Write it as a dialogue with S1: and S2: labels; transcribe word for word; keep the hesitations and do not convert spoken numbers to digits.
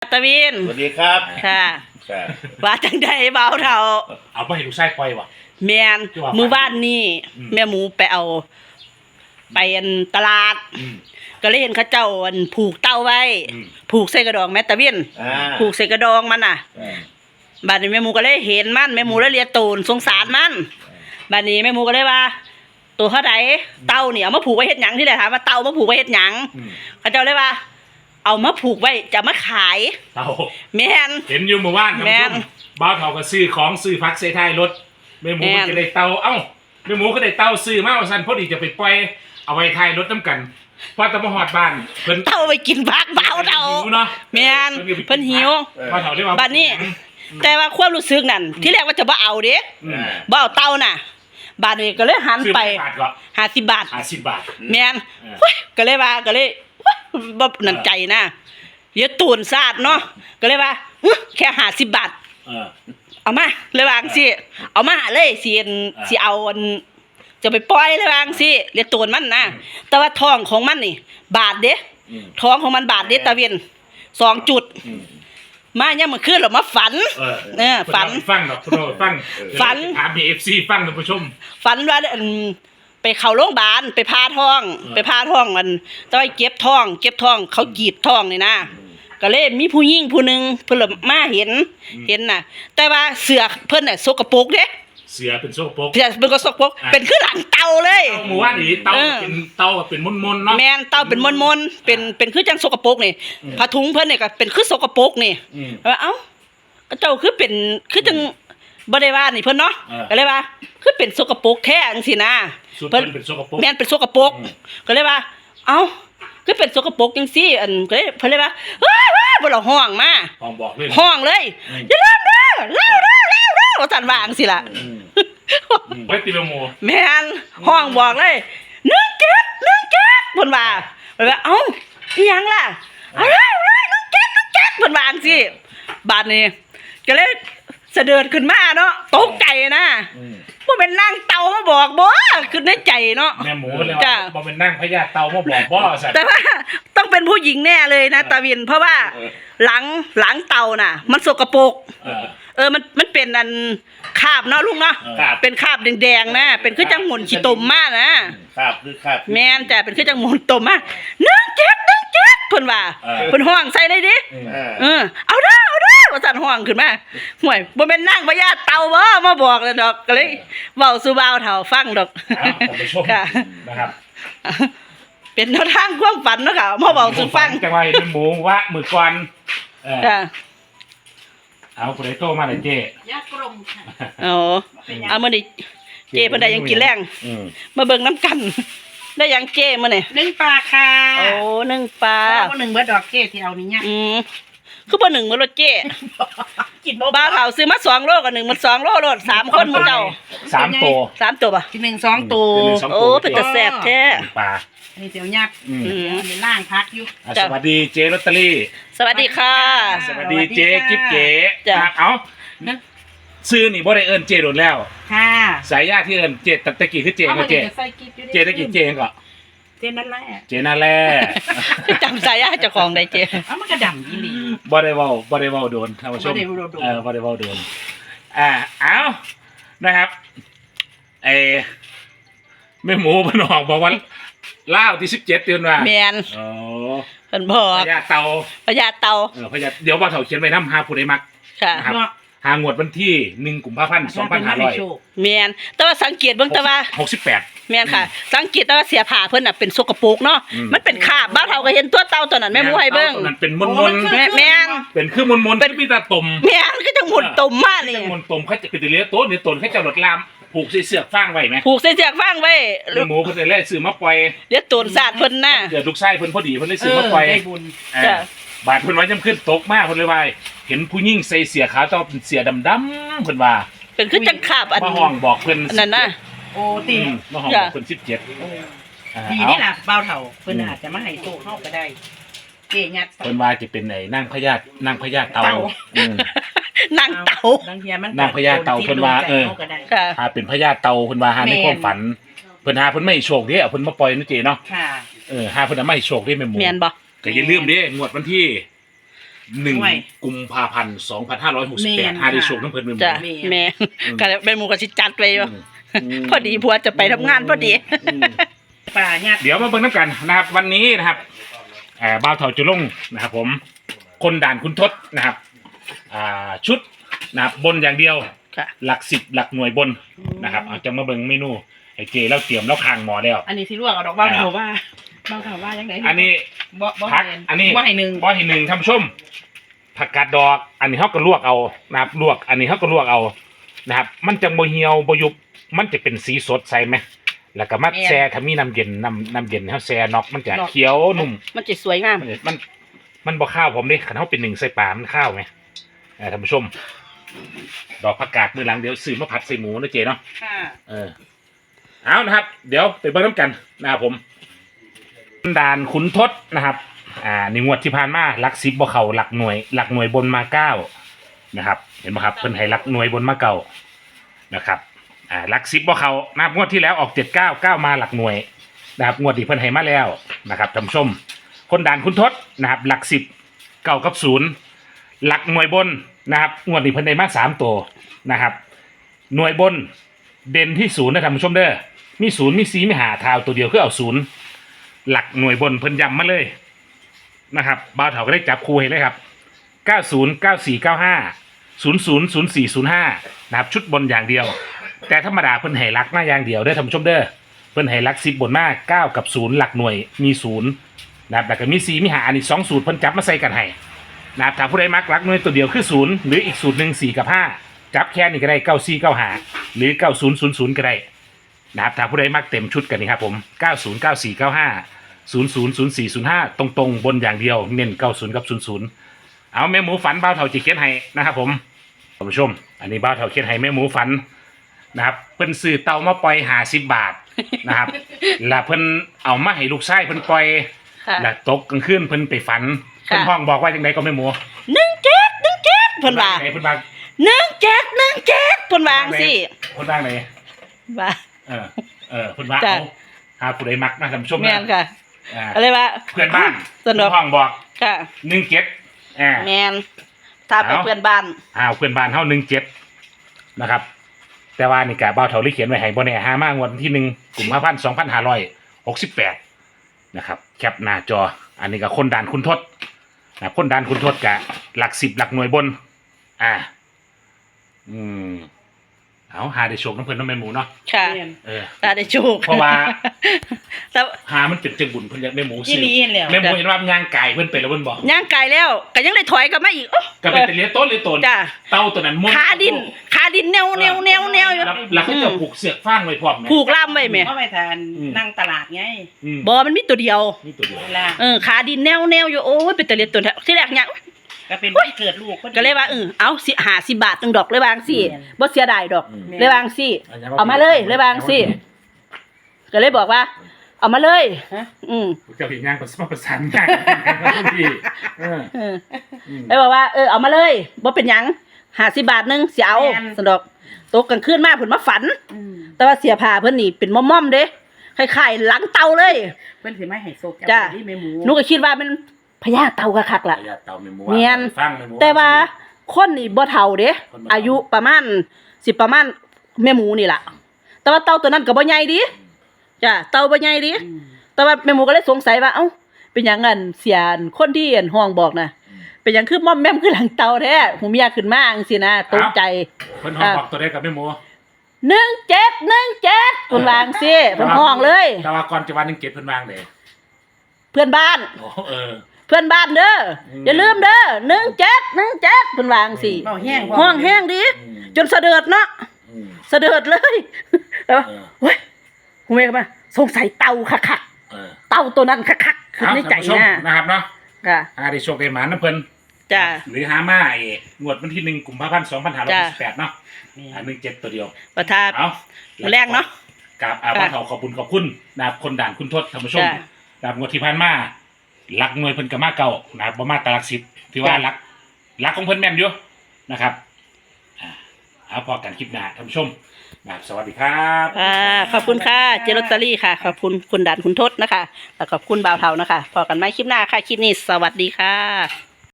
S1: ตะวิน
S2: สวัสดีครับ
S1: ค่ะ
S2: ครับ
S1: ว่าจังไดเบาเท่า
S3: เอาไปให้ลูกชายปล่อยวะ
S1: แม่นมื้อวานนี้แม่หมูไปเอาไปอันตลาดก็เลยเห็นเขาเจ้าอันผูกเต้าไว้ผูกใส่กระดองแม่ตะวินผูกใส่กระดองมันน่ะบัดนี้แม่หมูก็เลยเห็นมันแม่หมูเลยเลียตูนสงสารมันบัดนี้แม่หมูก็เลยว่าตัวเท่าใดเต้านี่เอามาผูกไว้เฮ็ดหยังที่แหละถามว่าเต้ามาผูกไว้เฮ็ดหยังเขาเจ้าเลยว่าเอามาผูกไว้จะมาขาย
S3: เต่า
S1: แม่น
S3: เห็นอยู่เมื่อวานครับผมบ้าวเต่าก็ซื้อของซื้อพักเซท้ายรถแม่หมูก็ได้เต่าเอ้าแม่หมูก็ได้เต่าซื้อมาว่าซั่นพอดีจะไปปล่อยเอาไว้ท้ายรถน้ำกันพอตะมาฮอดบ้านเพิ่น
S1: เต่าไปกินผักเบาเต่าแม่นเพิ่นหิว
S3: บ้าวเต่าได้ว่า
S1: บัดนี้แต่ว่าความรู้สึกนั่นที่แรกว่าจะบ่เอาเด้บ่เอาเต่าน่ะบาดนี้ก็เลยหันไปห้าสิบบาท
S3: ห้าสิบบาท
S1: แม่นก็เลยว่าก็เลยบ่นั่นใจนะเดี๋ยวตูนซาดเนาะก็เลยว่าแค่ห้าสิบบาท
S3: เออ
S1: เอามาเลยวาจังซี่เอามาเลยสิสิเอาอันจะไปปล่อยเลยวาจังซี่เรียกตูนมันนะแต่ว่าท้องของมันนี่บาทเด้ท้องของมันบาทเด้ตะเวียนสองจุดมาเนี่ยมันขึ้นหรอมาฝันเออฝัน
S3: ฟังดอกคุณฟัง
S1: ฝัน
S3: ถาม เอ ฟ ซี ฟังท่านผู้ชม
S1: ฝันว่าไปเข้าโรงพยาบาลไปพาท้องไปพาท้องมันต้องไปเก็บท้องเก็บท้องเขากรีดท้องนี่นะก็เลยมีผู้หญิงผู้นึงเพิ่นมาเห็นเห็นน่ะแต่ว่าเสือเพิ่นน่ะสกปรกเด้
S3: เสือเป็นสกปรก
S1: เสือเป็นก็สกปรกเป็นคือหลังเต่าเลย
S3: เต่าหมู่ว่านี่เต่าเป็นเต่าเป็นมนๆเนาะ
S1: แม่นเต่าเป็นมนๆเป็นเป็นคือจังสกปรกนี่ผ้าถุงเพิ่นนี่ก็เป็นคือสกปรกนี่ว่าเอ้าก็เจ้าคือเป็นคือจังบ่ได้ว่านี่เพิ่นเนาะก็เลยว่าคือเป็นสกปรกแท้จังซี่นะ
S3: เพิ่นเป็นสกปรก
S1: แม่นเป็นสกปรกก็เลยว่าเอ้าคือเป็นสกปรกจังซี่อันก็เลยเพิ่นเลยว่าเฮ้ยๆบ่ล่ะห้องมา
S3: ห้องบอกเลย
S1: ห้องเลยอย่าลืมเด้อเร็วๆๆว่าซั่นว่าจังซี่ล่ะ
S3: ไว้ติโลโม
S1: แม่นห้องบอกเลยหนึ่งเจ็ด หนึ่งเจ็ดเพิ่นว่าเพิ่นว่าเอ้าอีหยังล่ะเอาเลยเอาเลยหนึ่งเจ็ด หนึ่งเจ็ดเพิ่นว่าจังซี่บาดนี้ก็เลยเสด็จขึ้นมาเนาะตกใจนะบ่เป็นนางเต่ามาบอกบ่คือในใจเนาะ
S3: แม่หมูแล้วบ่เป็นนางพญาเต่ามาบอกบ่ซั่น
S1: แต่ว่าต้องเป็นผู้หญิงแน่เลยนะตาวินเพราะว่าหลังหลังเต่าน่ะมันสกปรกเออมันมันเป็นอันคราบเนาะลุงเนาะเป็นคราบแดงๆนะเป็นคือจังหมุนขี้ตมมากนะ
S2: คราบคือคราบ
S1: แม่นแต่เป็นคือจังหมุนตมมากหนึ่งเจ็ด หนึ่งเจ็ดเพิ่นว่าเพิ่นห้องใส่ได้ดิเออเอาเด้อเอาเด้อว่าสั่นห้องขึ้นมาห่วยบ่แม่นนางพญาเต่าบ่มาบอกเลยดอกก็เลยเว้าสู่บ่าวเฒ่าฟังดอก
S3: ค่ะนะครับ
S1: เป็นแนวทางความฝันเนาะค่ะมาเว้าสู่ฟัง
S3: จังว่าแม่หมูว่ามื้อก่อนเออเอาผู้ใดโตมาเลยเจ๊
S4: ยากลมค่ะ
S1: อ๋อเอามื้อนี้เจ๊เพิ่นได้ยังกินแรงมาเบิ่งน้ำกันได้ยังเจ๊มื้อนี่
S4: นึ่งปลาค่ะ
S1: โอ้นึ่งปลา
S4: บ่หนึ่งเบิดดอกเจ๊ที่เอานี่เนี่ย
S1: อืมคือบ่หนึ่งมื้อรถเจ๊กินบ่บ้าเฒ่าซื้อมาสองโลกับหนึ่งมันสองโลโลดสามคนมื้อเจ้า
S3: สามตัว
S1: สามตัวป่ะ
S4: ที่หนึ่ง สองตัว
S1: โอ้เป็นตาแซ่บแท้
S3: ปลา
S4: นี่เดี๋ยวยักษ์อืมเดี๋ยวล่างพักอยู่
S3: สวัสดีเจ๊ลอตเตอรี่
S1: สวัสดีค่ะ
S3: สวัสดีเจ๊กิ๊บเก๋ครับเอ้าซื้อนี่บ่ได้เอิ้นเจ๊โดนแล้ว
S4: ค่ะ
S3: สายญาติที่เอิ้นเจ๊ตะกี้คือเจ๊ก็เจ๊เจ๊ตะกี้เจ๊ก็
S4: เจ๊นั่นแหละ
S3: เจ๊นั่นแหละ
S1: จำสายญาติเจ้าของได้เจ๊
S4: เอ้ามันก็ดำอีหลี
S3: บ่ได้เว้าบ่ได้เว้าโดนท่านผู้ชมเออบ่ได้เว้าโดนอ่าเอ้านะครับไอ้แม่หมูเพิ่นออกบอกว่าลาวที่สิบเจ็ดเดือนว่า
S1: แม่นอ๋อเพิ่นบอก
S3: พญาเต่า
S1: พญาเต่า
S3: เออพญาเดี๋ยวบ่าวเฒ่าเขียนไว้นำหาผู้ใดมัก
S1: ค่ะ
S3: หางวดวันที่หนึ่งกุมภาพันธ์สองพันห้าร้อย
S1: แม่นแต่ว่าสังเกตเบิ่งแต่ว่า
S3: หกสิบแปด
S1: แม่นค่ะสังเกตแต่ว่าเสียผ้าเพิ่นน่ะเป็นสกปรกเนาะมันเป็นคราบบ่าวเฒ่าก็เห็นตัวเต่าตัวนั้นแม่หมูให้เบิ่ง
S3: มันเป็นมนๆ
S1: แม่น
S3: เป็นคือมนๆเป็นมีตาตุ่ม
S1: แม่นคือจังหมุนตุ่มมานี่
S3: จังหมุนตุ่มเขาจะเป็นเลี้ยโตนี่ตนเขาจะหลดลามผูกเสือกฟางไว้มั้ย
S1: ผูกเสือกฟางไว้
S3: แม่หมูเพิ่นได้ซื้อมาปล่อย
S1: เดี๋ยวตูนสาดเพิ่นน่ะ
S3: เดี๋ยวลูกชายเพิ่นพอดีเพิ่นได้ซื้อมาปล่อย
S4: ได้บุญ
S3: จ้ะบาดเพิ่นว่าจํขึ้นตกมาเพิ่นเลยว่าเห็นผู้หญิงใส่เสื้อขาวต้องเป็นเสื้อดำๆเพิ่นว่า
S1: เป็นคือจังคาบอัน
S3: มาห้องบอกเพิ่น
S1: นั่นน่ะ
S4: โอ้ติ
S3: มาห้องบอกเพิ่นสิบเจ็ด
S4: ดีนี่ล่ะบ่าวเฒ่าเพิ่นอาจจะมาให้โชคเฮาก็ได้เจ๊ยัด
S3: เพิ่นว่าจะเป็นไอ้นางพญานางพญาเต่าอืม
S1: นางเต่า
S3: นางพญาเต่าเพิ่นว่าเออหาเป็นพญาเต่าเพิ่นว่าหาในความฝันเพิ่นหาเพิ่นไม่โชคเด้เอาเพิ่นมาปล่อยนะเจ๊เนาะ
S4: ค่ะ
S3: เออหาเพิ่นไม่โชคเด้แม่หมู
S1: แม่นบ่
S3: ก็อย่าลืมเด้งวดวันที่หนึ่ง
S4: ห่วย
S3: กุมภาพันธ์สองพันห้าร้อยหกสิบแป
S4: แม่
S3: ด
S4: น
S3: หาได้
S4: ค่ะ
S3: โชคน้ำเพลินเมือง
S1: จ้ะ
S3: หมู่
S1: แม่
S3: อืม
S1: ก็เลยแม่หมูก็สิจัดไปอยู่
S3: อืม
S1: พอดีผัวจะไปทำงานพอดี
S3: อืม
S4: ปลาญาติ
S3: เดี๋ยวมาเบิ่งน้ำกันนะครับวันนี้นะครับเอ่อบ่าวเถาจุลงนะครับผมคนด่านคุณทศนะครับอ่าชุดนะครับบนอย่างเดียว
S1: ค่ะ
S3: หลักสิบหลักหน่วยบนนะครับเอาจะมาเบิ่งเมนูไอ้เจแล้วเตรียมแล้วคางหมอแล้ว
S4: อันนี้สิลวกเอาดอกบ้าเถาว่าบ้าเถาว่ายังไง
S3: อันนี้
S4: บ่บ่
S3: ผัก
S4: แม่น
S3: อันนี้
S4: บ่ให้หนึ่ง
S3: บ่ให้หนึ่งท่านผู้ชมผักกาดดอก อันนี้เขาก็ลวกเอานะครับลวก อันนี้เขาก็ลวกเอานะครับ มันจะโมเหี่ยวโมยุบมันจะเป็นสีสดใสไหมแล้วก็มัดแช่ถ้ามีน้ำเย็นน้ำน้ำเย็นเขาแช่นอกมันจะเขียวนุ่ม
S1: มันจะสวยงาม
S3: มันมันมันบ่ข้าวผมดิขันเขาเป็นหนึ่งใส่ปลามันข้าวไหมเออท่านผู้ชม ดอกผักกาดมือหลังเดี๋ยวซื้อมาผัดใส่หมูนะเจเนาะ
S4: ค่ะ
S3: เออเอานะครับ เดี๋ยวไปเบิ่งน้ำกันนะครับผมด่านขุนทศนะครับ อ่าในงวดที่ผ่านมาหลักสิบบ่เขาหลักหน่วย หลักหน่วยบนมาเก้านะครับ เห็นไหมครับเพิ่นให้หลักหน่วยบนมาเก้านะครับ อ่าหลักสิบบ่เขานะครับงวดที่แล้วออกเจ็ดเก้าเก้ามาหลักหน่วยนะครับงวดที่เพิ่นให้มาแล้วนะครับท่านผู้ชม คนด่านขุนทศนะครับ หลักสิบเก้ากับศูนย์หลักหน่วยบนนะครับงวดนี้เพิ่นได้มาสามตัวนะครับ หน่วยบนเด่นที่ศูนย์นะท่านผู้ชมเด้อมีศูนย์มีสีมีหาทาวตัวเดียวคือเอาศูนย์หลักหน่วยบนเพิ่นย้ำมาเลยนะครับบ่าวเถาก็ได้จับคู่ให้เลยครับเก้าศูนย์ เก้าสี่ เก้าห้า ศูนย์ศูนย์ ศูนย์สี่ ศูนย์ห้านะครับชุดบนอย่างเดียว แต่ธรรมดาเพิ่นให้หลักมาอย่างเดียวเด้อท่านผู้ชมเด้อเพิ่นให้หลักสิบบนมาเก้ากับศูนย์หลักหน่วยมีศูนย์นะครับแล้วก็มีสี่มีหาอันนี้สองสูตรเพิ่นจับมาใส่กันให้นะครับถ้าผู้ใดมักหลักหน่วยตัวเดียวคือศูนย์หรืออีกสูตรหนึ่งสี่กับห้าจับแค่นี้ก็ได้เก้าสี่ เก้าห้าหรือเก้าศูนย์ ศูนย์ ศูนย์ก็ได้นะครับถ้าผู้ใดมักเต็มชุดกันนี่ครับผมเก้าศูนย์ เก้าสี่ เก้าห้า ศูนย์ศูนย์ ศูนย์สี่ ศูนย์ห้าตรงๆบนอย่างเดียวเน้นเก้าศูนย์กับศูนย์ศูนย์เอาแม่หมูฝันบ่าวเถาจิเขียนให้นะครับผมท่านผู้ชม อันนี้บ่าวเถาเขียนให้แม่หมูฝันนะครับเพิ่นซื้อเตามาปล่อยห้าสิบบาทนะครับ แล้วเพิ่นเอามาให้ลูกชายเพิ่นปล่อย
S1: ค่ะ
S3: แล้วตกกลางคืนเพิ่นไปฝัน
S1: ค่ะ
S3: เพิ่นห้องบอกว่าจังไดก็แม่หมู
S1: หนึ่งเจ็ดหนึ่งเจ็ดเพิ่นว่า
S3: ไหนเพิ่นว่า
S1: หนึ่งเจ็ดหนึ่งเจ็ดเพิ่นวาจั่งสิ
S3: เพิ่นว่าไหน
S1: ว่า
S3: เออเออเพิ่นว่า
S1: จ้ะ
S3: เอาหาผู้ใดมักนะท่านผู้ชม
S1: แม่นค่ะ
S3: อ่า
S1: อะไรว่า
S3: เพื่อนบ้าน
S1: สนุก
S3: เพิ่นห้องบอก
S1: ค่ะ
S3: หนึ่งเจ็ดอ่า
S1: แม่นถ้าเป็น
S3: เอา
S1: เพื่อนบ้าน
S3: อ้าวเพื่อนบ้านเฮาหนึ่งเจ็ดนะครับ แต่ว่านี่กะบ่าวเฒ่าลิเขียนไว้ให้บ่แน่หามางวดวันที่หนึ่งกุมภาพันธ์สองพันห้าร้อยหกสิบแปดนะครับแคปหน้าจอ อันนี้ก็คนด่านคุณทศนะคนด่านคุณทศกะหลักสิบหลักหน่วยบน อ่า อืมเอาหาได้โชคน้ำเพิ่นน้ำแม่หมูเนาะ
S1: ค่ะ
S4: แม่น
S3: เออ
S1: ถ้าได้โชค
S3: เพราะว่า
S1: แต่
S3: หามันเป็นจังบุญเพิ่นอยากแม่หมู
S4: ยี่
S3: ซื้อ
S4: ลีเห็นแล้ว
S3: แม่หมูเห็นว่ามันย่างไก่เพิ่นไปแล้วเพิ่นบอก
S1: ย่างไกลแล้วก็ยังได้ถอยกลับมาอีกโอ้
S3: ก็เป็นแต่เลี้ยต้นเลี้ยต้น
S1: จ้ะ
S3: เต้าตัวนั้นม้วน
S1: ขาดินขาดินแนวแนวแนวแนวอยู่
S3: แล้วแล้วเขาจะผูกเสือกฟางไว้พร้อมไหม
S1: ผูกล่ามไว้แม่
S4: เพราะไปทาน
S3: อืม
S4: นั่งตลาดไง
S3: อืม
S1: บ่มันมีตัวเดียว
S3: นี่ตัวเดียว
S4: เวลา
S1: เออขาดินแนวแนวอยู่โอ้ยเป็นตะเลียดตัวแท้ที่แรกเนี่ย
S4: ก็เป็นวันเกิดลูกพอดี
S1: ก็เลยว่าเออเอาสิหาสิบบาทนึงดอกเลยบางสิ
S4: แม่น
S1: บ่เสียดายดอก
S3: อืม
S1: เลยบางสิเอามาเลยเลยบางสิก็เลยบอกว่า เอามาเลย
S4: ฮะ
S1: อืม
S3: เจะผิดงานประสานประสานงานพี่เออ
S1: เออ
S3: อืม
S1: เลยบอกว่าเออเอามาเลยบ่เป็นหยังหาสิบบาทนึงสิเอาสนดอกตกกลางคืนมาเพิ่นมาฝัน
S4: อืม
S1: แต่ว่าเสียผ้าเพิ่นนี่เป็นม่อมๆเด้คล้ายๆหลังเตาเลย
S4: เพิ่นสิมาให้โซก
S1: จ้ะ
S4: ที่แม่หมู
S1: หนูก็คิดว่ามันพญาเตากะคักล่ะ
S3: ระยะเตาเมมู
S1: เนียน
S3: ฟังเมมู
S1: แต่ว่าคนนี่บ่เฒ่าเด้
S3: คนบ่เฒ่า
S1: อายุประมาณสิประมาณแม่หมูนี่ล่ะ แต่ว่าเต่าตัวนั้นก็บ่ใหญ่ดิจ้ะเต่าบ่ใหญ่ดิ
S4: อืม
S1: แต่ว่าแม่หมูก็เลยสงสัยว่าเอ้าเป็นหยังงั้นเสียนคนที่อั่นห้องบอกน่ะเป็นหยังคือม่อมแม่มคือหลังเต่าแท้หูเมียขึ้นมาจังซี่นะตกใจ
S3: เพิ่นห้องบอกตัวได้กับแม่หมู
S1: หนึ่งเจ็ด หนึ่งเจ็ดเพิ่นวาจังซี่เพิ่นห้องเลย
S3: แต่ว่าก่อนจะวันหนึ่งเจ็ดเพิ่นวางเลย
S1: เพื่อนบ้าน
S3: โอ้เออ
S1: เพื่อนบ้านเด้อ
S3: อืม
S1: อย่าลืมเด้อหนึ่งเจ็ด หนึ่งเจ็ดเพิ่นวาจังซี่
S4: เบาแห้ง
S1: ห้องแห้งดิ
S3: อืม
S1: จนสะเดิดเนาะ
S3: อืม
S1: สะเดิดเลย แล้ว
S3: เออ
S1: เฮ้ยหูเมย์ก็มาสงสัยเต่าคัก
S3: เออ
S1: ๆเต่าตัวนั้นคักๆคือในใจ
S3: เอาท่านผู้ชม
S1: นะ
S3: นะครับเนาะ
S1: ค่ะ
S3: หาได้โชคได้หมานะเพิ่น
S1: จ้า
S3: หรือหามาไอ้งวดวันที่หนึ่งกุมภาพันธ์สองพันห้าร้อย
S1: จ้ะ
S3: สิบแปดเนาะ
S4: นี่
S3: อันหนึ่งเจ็ดตัวเดียว
S1: ประทา
S3: เอา
S1: แรกเนาะ
S3: กับอา
S1: ค่ะ
S3: บ้านเขาขอบคุณขอบคุณนะครับคนด่านคุณทศท่านผู้ชม
S1: จ้ะ
S3: นะครับงวดที่ผ่านมาหลักหน่วยเพิ่นก็มาเก่านะครับบ่มาตาหลักสิบที่ว่า
S1: จ้ะ
S3: หลักหลักของเพิ่นแม่นอยู่นะครับอ่าเอาพอกันคลิปหน้าท่านผู้ชมนะครับสวัสดีครับ
S1: อ่าขอบคุณค่ะเจลอตเตอรี่ค่ะ ขอบคุณคุณดันคุณทศนะคะแล้วขอบคุณบ่าวเทานะคะพอกันไหมคลิปหน้าค่ะ คลิปนี้สวัสดีค่ะ